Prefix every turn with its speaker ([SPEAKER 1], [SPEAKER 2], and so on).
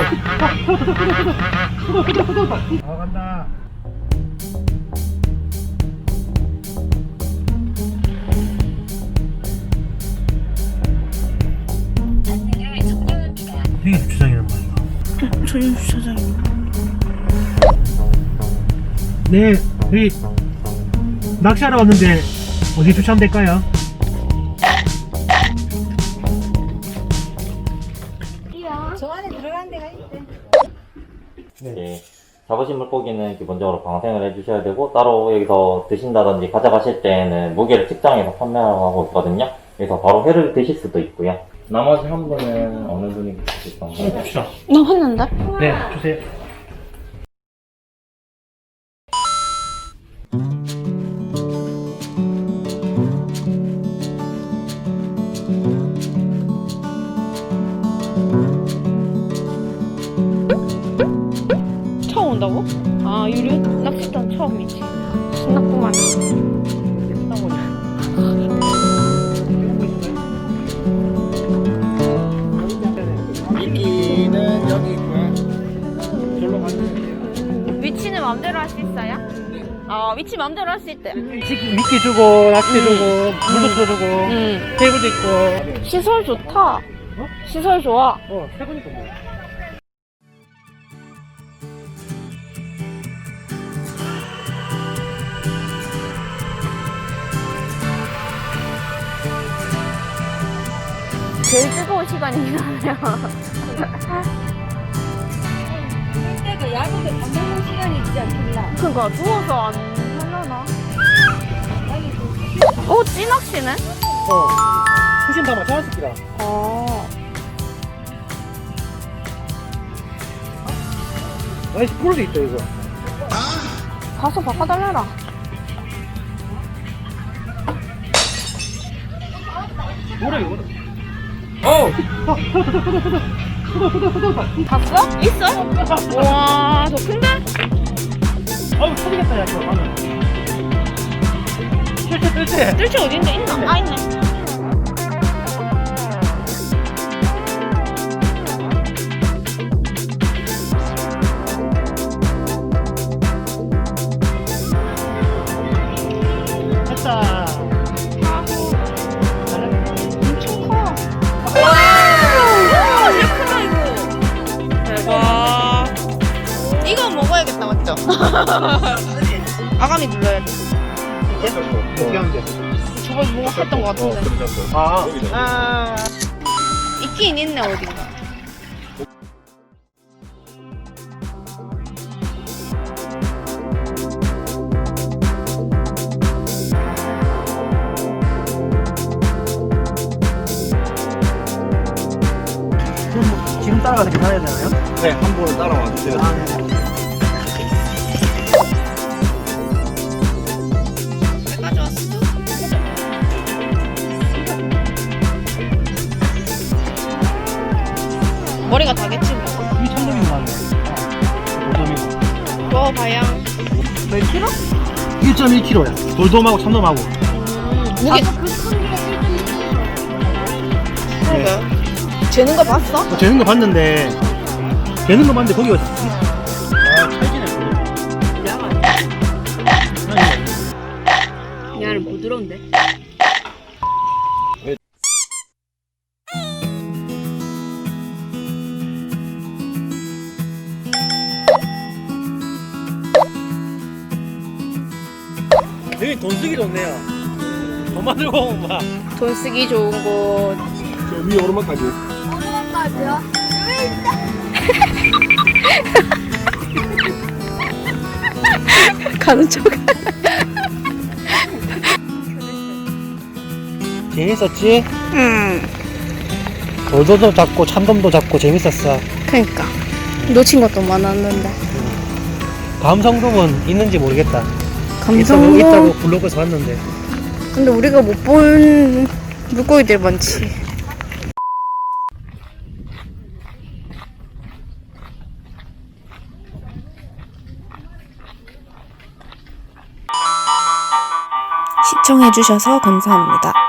[SPEAKER 1] 간다. 이게 주차장이란 말이야.
[SPEAKER 2] 저희 주차장이요.
[SPEAKER 1] 네, 저희 낚시하러 왔는데 어디 주차하면 될까요?
[SPEAKER 3] 저 안에 들어가는 데가 있대.
[SPEAKER 4] 네. 잡으신 물고기는 기본적으로 방생을 해주셔야 되고, 따로 여기서 드신다든지 가져가실 때는 무게를 측정해서 판매하고 하고 있거든요. 그래서 바로 회를 드실 수도 있고요. 나머지 한 분은 어느 분이 드실 건가요?
[SPEAKER 1] 주차.
[SPEAKER 2] 나 했는데?
[SPEAKER 1] 네, 주세요.
[SPEAKER 2] 처음 온다고? 아, 유료 낚시장 처음이지. 신났구만.
[SPEAKER 5] 미끼는 여기 있고요. 절로 가시면 돼요.
[SPEAKER 2] 위치는 마음대로 할 수 있어요? 아, 위치 마음대로 할 수 있대.
[SPEAKER 1] 미끼 주고, 낚시 주고, 물도 풀어주고, 테이블도 있고.
[SPEAKER 2] 시설 좋다. 시설 좋아.
[SPEAKER 1] 세 분이서 뭐.
[SPEAKER 2] 제일 뜨거운 시간이긴 하네요.
[SPEAKER 3] 그때가 야구도 밥 먹는 시간이 있지 않겠나?
[SPEAKER 2] 그니까, 누워서 안 하려나? 오, 찌낚시네?
[SPEAKER 1] 후신 담아, 자연스키라.
[SPEAKER 2] 아.
[SPEAKER 1] 아이씨, 풀도 있다, 이거.
[SPEAKER 2] 가서 바꿔달라라.
[SPEAKER 1] 뭐래, 이거.
[SPEAKER 2] 봤어? 있어? 와, 더 큰데?
[SPEAKER 1] 아우, 터지겠다, 야, 그거 방금. 실제.
[SPEAKER 2] 뜰채 어딘데? 있나? 아, 있네.
[SPEAKER 1] 됐다.
[SPEAKER 2] 엄청 커. 와, 진짜 크다, 이거. 대박. 이거 먹어야겠다, 맞죠? 아가미 눌러야 돼.
[SPEAKER 1] 어떻게 하면 돼?
[SPEAKER 2] 저번에 뭔가 했던 것 같은데.
[SPEAKER 1] 아.
[SPEAKER 2] 있긴 있네, 어딘가.
[SPEAKER 1] 지금 따라가서 계산해야 되나요?
[SPEAKER 5] 네, 한 번 따라와 주세요.
[SPEAKER 1] 아, 네.
[SPEAKER 2] 왜 가져왔어? 머리가 다겠지, 뭐.
[SPEAKER 1] 이 참돔인 거 같네. 돌돔이고.
[SPEAKER 2] 먹어봐야.
[SPEAKER 1] 몇 킬로? 1.1kg야. 돌돔하고 참돔하고.
[SPEAKER 2] 무게. 그러게. 재는 거 봤어?
[SPEAKER 1] 재는 거 봤는데, 재는 거 봤는데, 거기가. 아, 찰지네.
[SPEAKER 2] 얘는 부드러운데?
[SPEAKER 1] 여기 돈 쓰기 좋네요. 돈 만들고 오면 막.
[SPEAKER 2] 돈 쓰기 좋은 곳.
[SPEAKER 5] 저 위에 오르막까지.
[SPEAKER 3] 오르막까지요?
[SPEAKER 2] 가는 척.
[SPEAKER 1] 재밌었지?
[SPEAKER 2] 응.
[SPEAKER 1] 돌돔도 잡고, 참돔도 잡고, 재밌었어.
[SPEAKER 2] 그니까. 놓친 것도 많았는데.
[SPEAKER 1] 감성돔은 있는지 모르겠다.
[SPEAKER 2] 감성돔.
[SPEAKER 1] 있다고 블로그에서 봤는데.
[SPEAKER 2] 근데 우리가 못 본 물고기들 많지.
[SPEAKER 6] 시청해주셔서 감사합니다.